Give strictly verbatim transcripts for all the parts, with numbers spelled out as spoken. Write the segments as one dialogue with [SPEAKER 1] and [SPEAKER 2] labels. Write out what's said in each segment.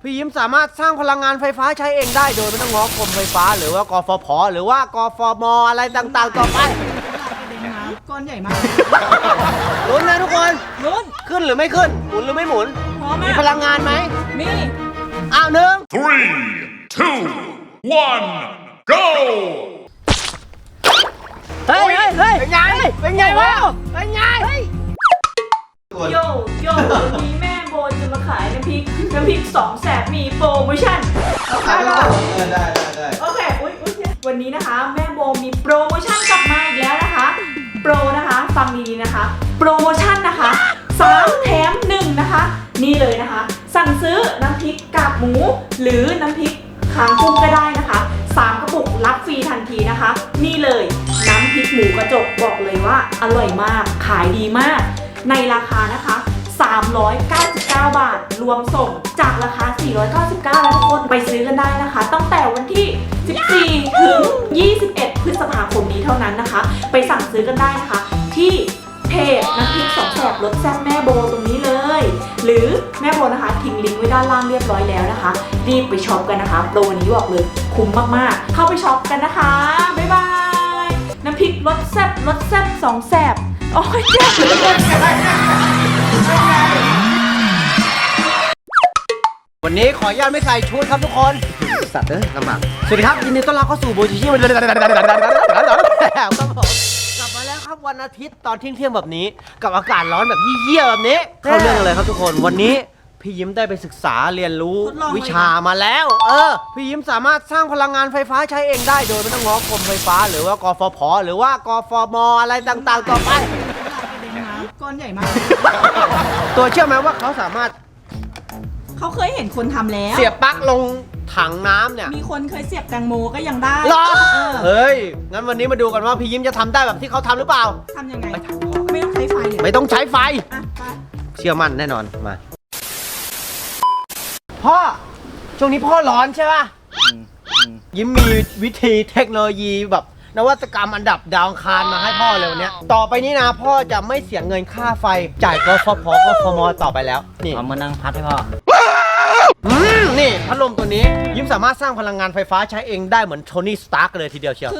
[SPEAKER 1] พี่ยิ้มสามารถสร้างพลังงานไฟฟ้าใช้เองได้โดยไม่ต้องง้อกรมไฟฟ้าหรือว่ากฟผหรือว่ากฟมอะไรต่างๆต่อไป
[SPEAKER 2] ก้อนใหญ่มาก
[SPEAKER 1] ลุ้นนะทุกคน
[SPEAKER 2] ลุ้น
[SPEAKER 1] ขึ้นหรือไม่ขึ้นหมุนหรือไม่หมุนมีพลังงานไหม
[SPEAKER 2] มี
[SPEAKER 1] อ้าวหนึ่ง
[SPEAKER 3] three two one go
[SPEAKER 1] เฮ้ยเฮ้ยเป็นไงเป็นไงวะเป็นไง
[SPEAKER 4] โยโย่วันนี้แม่โบจะมาขายน้ำพริกน้ำพริกสองแสบมีโปรโมชั่นได้ได้ได้ได้โอเคอุ้ยอุ้ยวันนี้นะคะแม่โบมีโปรโมชั่นกลับมาอีกแล้วนะคะโปรนะคะฟังดีๆนะคะโปรโมชั่นนะคะสามแถมหนึ่งนะคะนี่เลยนะคะสั่งซื้อน้ำพริกกากหมูหรือน้ำพริกคางกุ้งก็ได้นะคะสามกระปุกรับฟรีทันทีนะคะนี่เลยน้ำพริกหมูกระจกบอกเลยว่าอร่อยมากขายดีมากในราคานะคะสามร้อยเก้าสิบเก้าบาทรวมส่งจากราคาสี่ร้อยเก้าสิบเก้าแล้วทุกคนไปซื้อกันได้นะคะตั้งแต่วันที่สิบสี่ถึงยี่สิบเอ็ดพฤษภาคมนี้เท่านั้นนะคะไปสั่งซื้อกันได้นะคะที่เพจน้ำพริกสองแสบรสแซ่บแม่โบตรงนี้เลยหรือแม่โบนะคะทิ้งลิงก์ไว้ด้านล่างเรียบร้อยแล้วนะคะรีบไปช็อปกันนะคะโปรนี้บอกเลยคุ้มมากๆเข้าไปช็อปกันนะคะบ๊ายบายน้ำพริกรสแซ่บรสแซ่บสองแสบโอ้ยเจ็บ
[SPEAKER 1] วันนี้ขออนุญาตไม่ใส่ชุดครับทุกคนสัตว์เอ้ยลำบากสวัสดีครับยินดีต้อนรับเข้าสู่โบจิชิวันครับผมกลับมาแล้วครับวันอาทิตย์ตอนเที่ยงๆแบบนี้กับอากาศร้อนแบบเหี้ยๆแบบนี้เข้าเรื่องเลยครับทุกคนวันนี้พี่ยิ้มได้ไปศึกษาเรียนรู้วิชามาแล้วเออพี่ยิ้มสามารถสร้างพลังงานไฟฟ้าใช้เองได้โดยไม่ต้องง้อกรมไฟฟ้าหรือว่ากฟผหรือว่ากฟมอะไรต่างๆต่อไป
[SPEAKER 2] ก้อนใหญ่มาก
[SPEAKER 1] ตัวเชื่อไหมว่าเขาสามารถ
[SPEAKER 2] เขาเคยเห็นคนทำแล้ว
[SPEAKER 1] เสียบปลั๊กลงถังน้ำเนี่ย
[SPEAKER 2] มีคนเคยเสียบแตงโมก็ยังได้
[SPEAKER 1] หรอเฮ้ยงั้นวันนี้มาดูกันว่าพี่ยิ้มจะทำได้แบบที่เขาทำหรือเปล่า
[SPEAKER 2] ทำยังไงไม่ต้องใช้ไฟเลย
[SPEAKER 1] ไม่ต้องใช้ไฟเชื่อมั่นแน่นอนมาพ่อช่วงนี้พ่อร้อนใช่ป่ะยิ้มมีวิธีเทคโนโลยีแบบนวัตกรรมอันดับดาวคารมาให้พ่อเลยวันนี้ต่อไปนี้นะพ่อจะไม่เสียเงินค่าไฟจ่ายกฟผกฟมต่อไปแล้วนี่
[SPEAKER 5] เอามานั่งพัดให้พ่อ
[SPEAKER 1] อืมนี่พัดลมตัวนี้ยิ้มสามารถสร้างพลังงานไฟฟ้าใช้เองได้เหมือนโทนี่สตาร์กเลยทีเดียวเชียว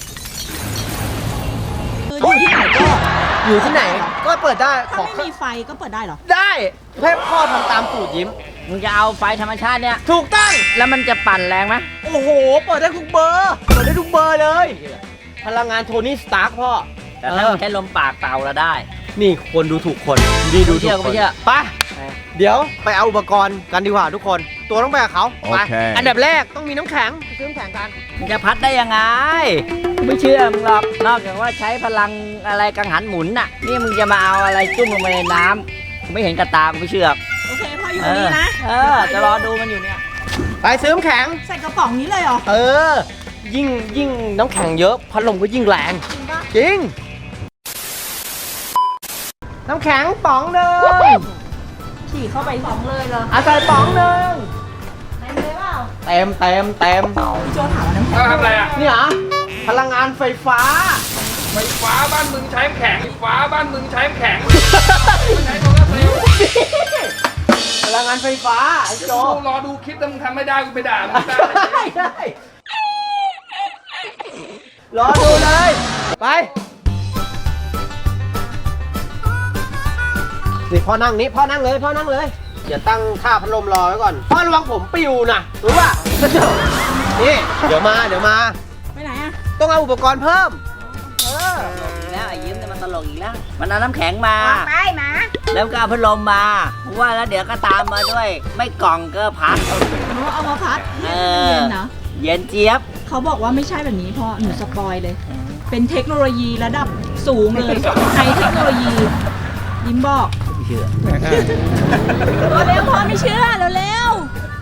[SPEAKER 2] อยู่ที่ไหนก็
[SPEAKER 1] อยู่ที่ไหนก็เปิดได้
[SPEAKER 2] ถ้าไม่มีไฟก็เปิดได้เหรอ
[SPEAKER 1] ได้ให้พ่อทำตามสูตรยิ้ม
[SPEAKER 5] มึงจะเอาไฟธรรมชาติเนี่ย
[SPEAKER 1] ถูกต้อง
[SPEAKER 5] แล้วมันจะปั่นแรงไหม
[SPEAKER 1] โอ้โหเปิดได้ทุกเบอร์เปิดได้ทุกเบอร์เลยพลังงานโทนี่สตาร์กพ่อ
[SPEAKER 5] แต่ถ้าใช้ลมปากเป่าแล้วได้
[SPEAKER 1] นี่คนดูถูกคนดีดูถูกคนไปเดี๋ยวไปเอาอุปกรณ์กันดีกว่าทุกคนตัวต้องไปกับเขาไปอันดับแรกต้องมีน้ำแข็งซื้อน้ำแข็งกัน
[SPEAKER 5] มันจะพัดได้ยังไงไม่เชื่อมึงหรอกนอกจากว่าใช้พลังอะไรกังหันหมุนน่ะนี่มึงจะมาเอาอะไรจุ่มลงไปในน้ำไม่เห็นกระตาไม่เชื่อ
[SPEAKER 2] โอเคพ่ออยู่นี่นะ
[SPEAKER 5] เออจะรอดูมันอยู่เนี่ย
[SPEAKER 1] ไปซื้อน้ำแข็ง
[SPEAKER 2] ใส่กระป๋องนี้เลยเหรอ
[SPEAKER 1] เออยิ่งยิ่งน้ำแข็งเยอะพัดลมก็ยิ่งแรงจริงน้ำแข็งป๋องหนึ่ง
[SPEAKER 2] ฉี่เข้าไปป๋องเลยเหรอ
[SPEAKER 1] อาใส่ป๋องหนึ่ง
[SPEAKER 2] เต็มเลยเปล่า
[SPEAKER 1] เต็มเต็มเต็ม
[SPEAKER 2] โจถามว่าน้ำแข็ง
[SPEAKER 3] ทำอะไรอ่ะ
[SPEAKER 1] นี่เหรอพลังงานไฟฟ้า
[SPEAKER 3] ไฟฟ้าบ้านมึงใช้แข็งไฟฟ้าบ้านมึงใช้แข็งใช้โซลาร์เซลล์
[SPEAKER 1] พลังงานไฟฟ้าโจ
[SPEAKER 3] รอดูคลิปถ้ามึงทำไม่ได้กูไปด่ามึงได้
[SPEAKER 1] ได้รอดูเลยไปนี่พ่อนั่งนี้พ่อนั่งเลยพ่อนั่งเลยอย่าตั้งท่าพัดลมรอไว้ก่อนพ่อระวังผมปิวนะรู้ป่ะนี่เดี๋ยวมาเดี๋ยวมา
[SPEAKER 2] ไปไหนอะ
[SPEAKER 1] ต้องเอาอุปกรณ์เพิ่ม
[SPEAKER 5] เออแล้วไอ้ยิ้มเนี่ยมันตลกอีกแล้วมันเอาน้ำแข็งมา
[SPEAKER 2] ไปมา
[SPEAKER 5] แล้วก็เอาพัดลมมาว่าแล้วเดี๋ยวก็ตามมาด้วยไม่กล่องก็พัด
[SPEAKER 2] เอามาพัดเย็นนะ
[SPEAKER 5] เย็นเจี๊ยบ
[SPEAKER 2] เขาบอกว่าไม่ใช่แบบนี้พ่อหนูสปอยเลยเป็นเทคโนโลยีระดับสูงเลยไฮเทคโนโลยียิ้มบอก
[SPEAKER 5] เชื่อ
[SPEAKER 2] เร็วพ่อไม่เชื่อเร็ว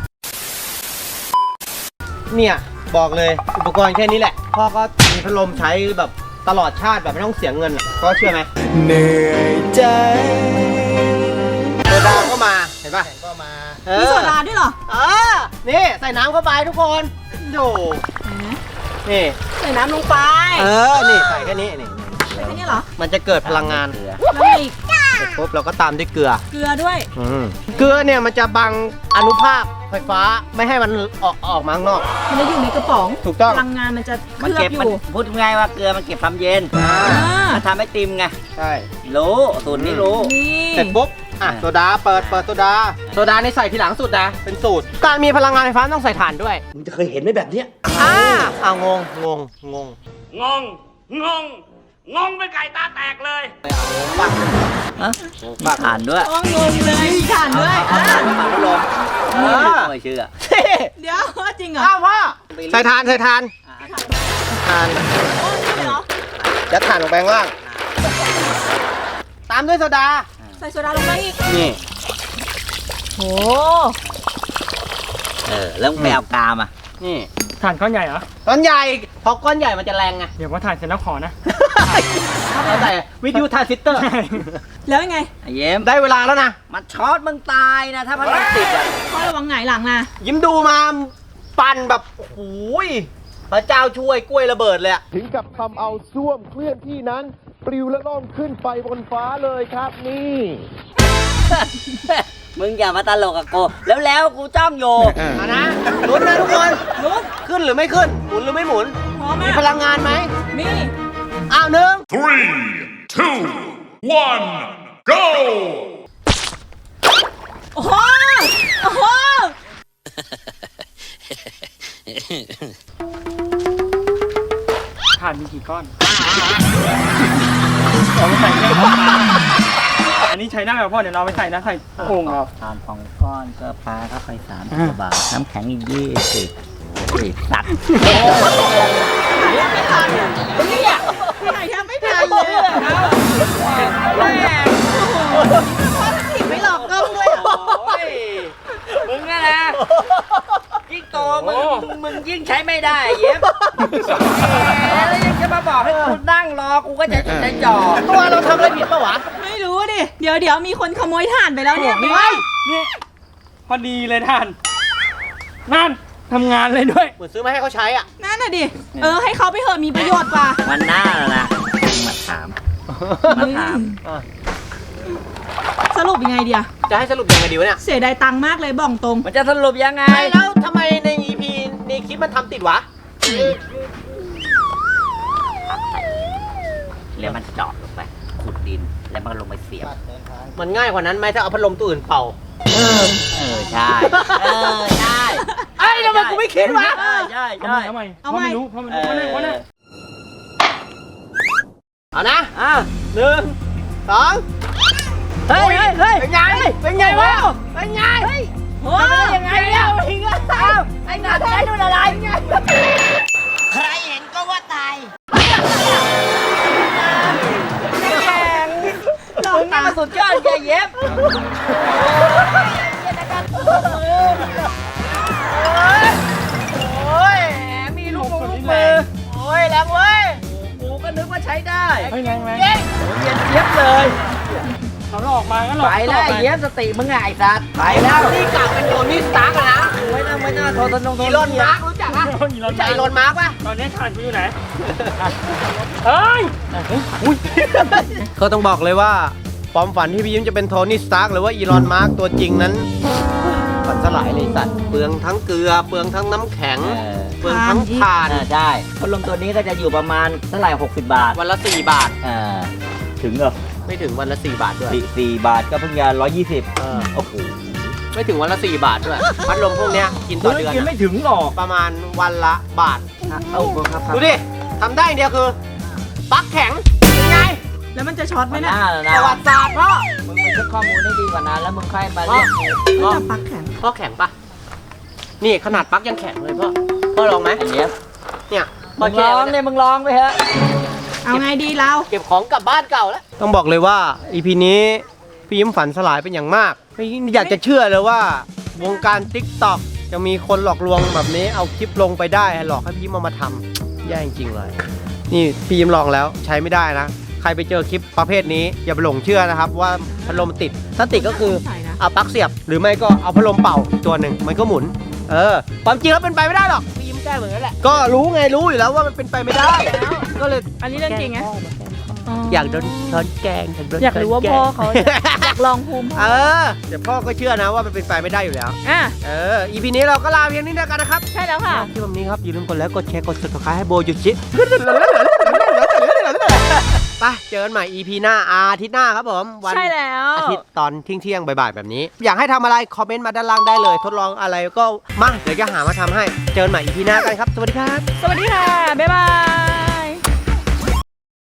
[SPEAKER 1] เนี่ยบอกเลยอุปกรณ์แค่นี้แหละพ่อก็มีพัดลมใช้แบบตลอดชาติแบบไม่ต้องเสียเงินก็เชื่อไหมเหนื่อยใจโซดาก็มาเห็นป่ะก็มา
[SPEAKER 2] มีโซดาด้วยเหรอ
[SPEAKER 1] เออนี่ใส่น้ำเข้าไปทุกคนดูนี่
[SPEAKER 2] ใส่น้ำลงไป
[SPEAKER 1] เออนี่ใส่แค่นี้นี่
[SPEAKER 2] ใส่แค่นี้เหรอ
[SPEAKER 1] มันจะเกิดพลังงาน
[SPEAKER 2] แล้วอีก
[SPEAKER 1] ปุ๊บเราก็ตามด้วยเกลือ
[SPEAKER 2] เกลือด้วย
[SPEAKER 1] อืมเกลือเนี่ยมันจะบังอนุภาคไฟฟ้าไม่ให้มันออกออกมาข้างนอก
[SPEAKER 2] มันจะอยู่ในกระป๋อง
[SPEAKER 1] ถูกต้อง
[SPEAKER 2] พลังงานมันจะเค
[SPEAKER 5] มัน
[SPEAKER 2] ลือ
[SPEAKER 5] เก็
[SPEAKER 2] บบ อ
[SPEAKER 5] มัน
[SPEAKER 2] ยู่
[SPEAKER 5] พูดง่ายว่าเกลือมันเก็บความเย็น
[SPEAKER 2] อ่า
[SPEAKER 5] มันทำให้ติมไง
[SPEAKER 1] ใช่
[SPEAKER 5] รู้สูตรนี้รู้
[SPEAKER 2] นี่
[SPEAKER 1] เสร็จปุ๊บ อ่ะ โซดา เปิด เปิดโซดา โซดาในใส่ทีหลังสุดนะ เป็นสูตร การมีพลังงานไฟฟ้าต้องใส่ถ่านด้วย มึงจะเคยเห็นไหมแบบเนี้ยอ่าอ่างง งง งง
[SPEAKER 3] งง งง งงเป็นไก่ตาแตกเลย
[SPEAKER 5] ฮะมีถ่านด้วย
[SPEAKER 2] โอ้งงเลยถ่านด้วยอ่ะ
[SPEAKER 5] ปากพัดลม
[SPEAKER 1] เออ
[SPEAKER 5] ไม่เชื่อ
[SPEAKER 2] เดี๋ยวจริงเหรอ
[SPEAKER 1] อ้าวพ่อใส่ถ่าน ใส่ถ่าน ถ่าน
[SPEAKER 2] โอ้นี่เหรอ
[SPEAKER 1] ยัดถ่านลงไปข้างล่าง ตามด้วยโซดา
[SPEAKER 2] ใส่โซดาลงไปอีก
[SPEAKER 1] นี่
[SPEAKER 2] โอ้
[SPEAKER 5] เออแล้วมึงไปเอากามอ่ะ
[SPEAKER 1] นี่
[SPEAKER 3] ถ่านก้อนใหญ่เหรอ
[SPEAKER 1] ก้อนใหญ่ พอก้อนใหญ่มันจะแรงไง
[SPEAKER 3] เดี๋ยวว่าถ่านเสร็จแล้วขอนะ
[SPEAKER 1] เขาใส่วิทยุทรานซิสเตอร์
[SPEAKER 2] แล้วยังไง
[SPEAKER 5] ไอ้เย็ม
[SPEAKER 1] ได้เวลาแล้วนะ
[SPEAKER 5] มันช็อตมึงตายนะ ถ้าพัดลมติดอ่ะ
[SPEAKER 2] พ่อระวังหงายหลังนะ
[SPEAKER 1] ยิ้มดูมาปั่นแบบ โอ้โหยพระเจ้าช่วยกล้วยระเบิดเลยอะ
[SPEAKER 6] ถึงกับทำเอาส้วมเคลื่อนที่นั้น ปลิวและล่องขึ้นไปบนฟ้าเลยครับนี่
[SPEAKER 5] มึงอย่ามาตลกกับกูแล้วแล้วกูจ้องอยู่
[SPEAKER 1] เอานะลุ้นนะทุกคนลุ้นขึ้นหรือไม่ขึ้น หมุนหรือไม่หมุน
[SPEAKER 2] พร้อม
[SPEAKER 1] มี
[SPEAKER 2] อ่ะ
[SPEAKER 1] พลังงานไหม
[SPEAKER 2] นี่
[SPEAKER 1] อ้าวหนึ่ง
[SPEAKER 7] Three, two, one, go!
[SPEAKER 2] โอ้โหโอ้โห
[SPEAKER 3] ถ่านมีกี่ก้อนเอาไปใส่เครื่องปลาอันนี้ใช้ได้ป่ะพ่อ เดี๋ยวเราไปใส่นะใส่โอ่งเรา
[SPEAKER 5] ทานสองก้อนก็ปลาเข้าไปสามสิบบาท น้ำแข็งอีกยี่สิบอีกสัตว์
[SPEAKER 2] ไม่ทันเนี่ยพี่ไหนแทบไม่ทันเลยอะแม่โอ้โหพ่อจะถีบไม่หลอกกล้องด้วยเหรอ
[SPEAKER 5] มึงนะนะยิ่งโตมึงมึงยิ่งใช้ไม่ได้เย็บแล้วยังจะมาบอกให้กูนั่งรอกูก็จะจะจ่อ
[SPEAKER 1] ตัวเราทำอะไรผิดปะวะ
[SPEAKER 2] ไม่รู้ดิ เดี๋ยวเดี๋ยวมีคนขโมยถ่านไปแล้วเนี่ย
[SPEAKER 3] นี่นี่พอดีเลยท่าน นั่นทำงานเลยด้วย
[SPEAKER 1] เหมือนซื้อมาให้เขาใช้อ่ะ
[SPEAKER 2] นั่นน่ะดิ เออให้เขาไปเถอะมีประโยชน์กว่า
[SPEAKER 5] วันหน้าแล้วนะมาถามมาถาม
[SPEAKER 2] สรุปยังไงเดีย
[SPEAKER 1] จะให้สรุปยังไงดีวะเนี่ย
[SPEAKER 2] เสียดายตังค์มากเลยบอกตรง
[SPEAKER 5] มันจะสรุปยังไง
[SPEAKER 1] ไม่แล้วทำไมใน อี พี ในคลิปมันทำติดวะ
[SPEAKER 5] แล้วมันเจาะลงไปขุดดินแล้วมันลงไปเสียบ
[SPEAKER 1] มันง่ายกว่านั้นไหมถ้าเอาพัดลมตัวอื่นเป่า
[SPEAKER 5] เออใช่เออใช่
[SPEAKER 1] เอ้ยทำไมกูไม่คิดวะ
[SPEAKER 5] ใช่ใช่
[SPEAKER 3] เอา
[SPEAKER 5] ใช่
[SPEAKER 3] ใหม่เอาใหม่
[SPEAKER 2] เอา
[SPEAKER 3] เพราะ
[SPEAKER 2] ใหม่
[SPEAKER 3] ไม่รู้เพราะไม่รู้เพราะไม่รู้เพราะไม่รู้
[SPEAKER 1] เอานะอ่ะหนึ่งสอง
[SPEAKER 5] เฮ้ยเฮ้ยเฮ้ย
[SPEAKER 1] เป็นไง เป็นไงวะ เป็นไง
[SPEAKER 2] โอ้
[SPEAKER 5] ยังไงเนี่ยอ้าวไอ้หนาได้ดูอะไรใครเห็นก็ว่าตายแข่งมึงนี่มาสุดยอดแย่เย็บโอ้ยมีลูกมือลูกมือโอ้ยแรงเว้ยกูก็นึกว่าใช้ได้
[SPEAKER 3] เฮ้ยแรงแรง
[SPEAKER 5] เย็บเย็บเย็บเลย
[SPEAKER 3] เขาหลอกมาก็หลอก
[SPEAKER 5] ไปแล้ว
[SPEAKER 3] ต่อ
[SPEAKER 5] เย็บสติมึงไงไอ้สัตว์ไปแล้ว
[SPEAKER 1] นี่กลับเป็นโทนี่สตาร์กอะนะ
[SPEAKER 5] ไม่น่าไม่น่าโทรตนงโทร
[SPEAKER 1] อีลอนมาร์กรู้จักปะ
[SPEAKER 3] อีลอน
[SPEAKER 1] รู้จักอีลอนมาร์กปะ
[SPEAKER 3] ตอนนี้ถ่านกูอยู่ไหนเฮ้ยอุ้ย
[SPEAKER 1] ก็ต้องบอกเลยว่าความฝันที่พี่ยิ้มจะเป็นโทนี่สตาร์กหรือว่าอีลอนมาร์กตัวจริงนั้นฝันสลายเลยสัตว์เปลืองทั้งเกลือ เปลืองทั้งน้ำแข็ง เปลืองทั้งถ่าน
[SPEAKER 5] อ่าใช่พัดลมตัวนี้ก็จะอยู่ประมาณเท่าไหร่หกสิบบาท
[SPEAKER 1] วันละสี่บาท
[SPEAKER 5] อ่าถึงเหรอ
[SPEAKER 1] ไม่ถึงวันละสี่บาทด้วย
[SPEAKER 5] สี่สี่บาทก็เพิ่งจะร้อยยี่สิบ
[SPEAKER 1] เออ
[SPEAKER 5] โอ้โห
[SPEAKER 1] ไม่ถึงวันละสี่บาทด้วย พัดลมพวกเนี้ยกินต่อเดือน
[SPEAKER 5] กิน
[SPEAKER 1] อะ
[SPEAKER 5] ไม่ถึงหรอก
[SPEAKER 1] ประมาณวันละบาท
[SPEAKER 5] เอ้าครับครับ
[SPEAKER 1] ดูดิทำได้อย่างเดียวคือปลั๊กแข็งเป็นไง
[SPEAKER 2] แล้วมันจะช็อตไหม
[SPEAKER 5] มัน
[SPEAKER 2] เนะ
[SPEAKER 5] น่าแล้วนะ
[SPEAKER 1] ประวัติศาสตร์พ่อ
[SPEAKER 5] มึงไปเช็คข้อมูลได้ดีกว่านั้นแล้วมึงค่อยมาเรียกกู
[SPEAKER 2] ก็จะปักแข็ง
[SPEAKER 1] พ่อแข็งปะนี่ขนาดปลั๊กยังแข็งเลยพ่อ พ่อลองไหม
[SPEAKER 5] ไอ้เนี้ย
[SPEAKER 1] เนี่ยพ่
[SPEAKER 5] มึ
[SPEAKER 1] อง แช่
[SPEAKER 5] ลอง
[SPEAKER 1] ไว้
[SPEAKER 5] เนี่
[SPEAKER 1] เนี่ย
[SPEAKER 5] ยมึงลองไปเถอะ
[SPEAKER 2] เอาไงดีเรา
[SPEAKER 1] เก็บของกลับบ้านเก่าแล้ว ต้องบอกเลยว่า อี พี นี้พี่ยิ้มฝันสลายเป็นอย่างมากไม่อยากจะเชื่อเลยว่า วงการ ติ๊กต็อก จะมีคนหลอกลวงแบบนี้เอาคลิปลงไปได้หลอกให้พี่ยิ้มเอามาทำแย่จริงๆเลย นี่พี่ยิ้มลองแล้วใช้ไม่ได้นะ ใครไปเจอคลิปประเภทนี้อย่าไปหลงเชื่อนะครับว่าพัดลมติด ถ้าติดก็คือ
[SPEAKER 2] ใช่นะ
[SPEAKER 1] เอาปลั๊กเสียบ หรือไม่ก็เอาพัดลมเป่าตัวหนึ่งมันก็หมุน เออความจริงแล้วเป็นไปไม่ได้หรอกพี่ยิ้มแก้เหมือนกันแหละก็รู้ไงรู้อยู่แล้วว่ามันเป็นไปไม่ได้ ก็เลย
[SPEAKER 2] อันนี้เรื่องจริงไง
[SPEAKER 1] อยากโดนช้อนแกงโดน
[SPEAKER 2] อยากรู้ว่า
[SPEAKER 1] ช้นแง
[SPEAKER 2] พ่อเขาอยากลองภูมิพ่อ
[SPEAKER 1] เออแต่พ่อก็เชื่อนะว่ามันเป็นไปไม่ได้อยู่แล้ว
[SPEAKER 2] อ่ะ
[SPEAKER 1] เออ อีพีนี้เราก็ลาเพียงนี้แล้วกันนะครับ
[SPEAKER 2] ใช่แล้วค่ะ
[SPEAKER 1] ที่วันนี้ครับอย่าลืมกดไลค์กดแชร์กด subscribe ให้โบยุชิไปเจอกันใหม่ อี พี หน้าอาทิตย์หน้าครับผมวัน
[SPEAKER 2] ใช่แล้ว
[SPEAKER 1] อาทิตย์ตอนเที่ยงเที่ยงๆบ่ายๆแบบนี้ อยากให้ทำอะไรคอมเมนต์มาด้านล่างได้เลย ทดลองอะไรก็มาเดี๋ยวจะหามาทำให้เจอกันใหม่ อี พี หน้ากันครับสวัสดีครับ
[SPEAKER 2] สวัสดีค่ะ บ๊ายบาย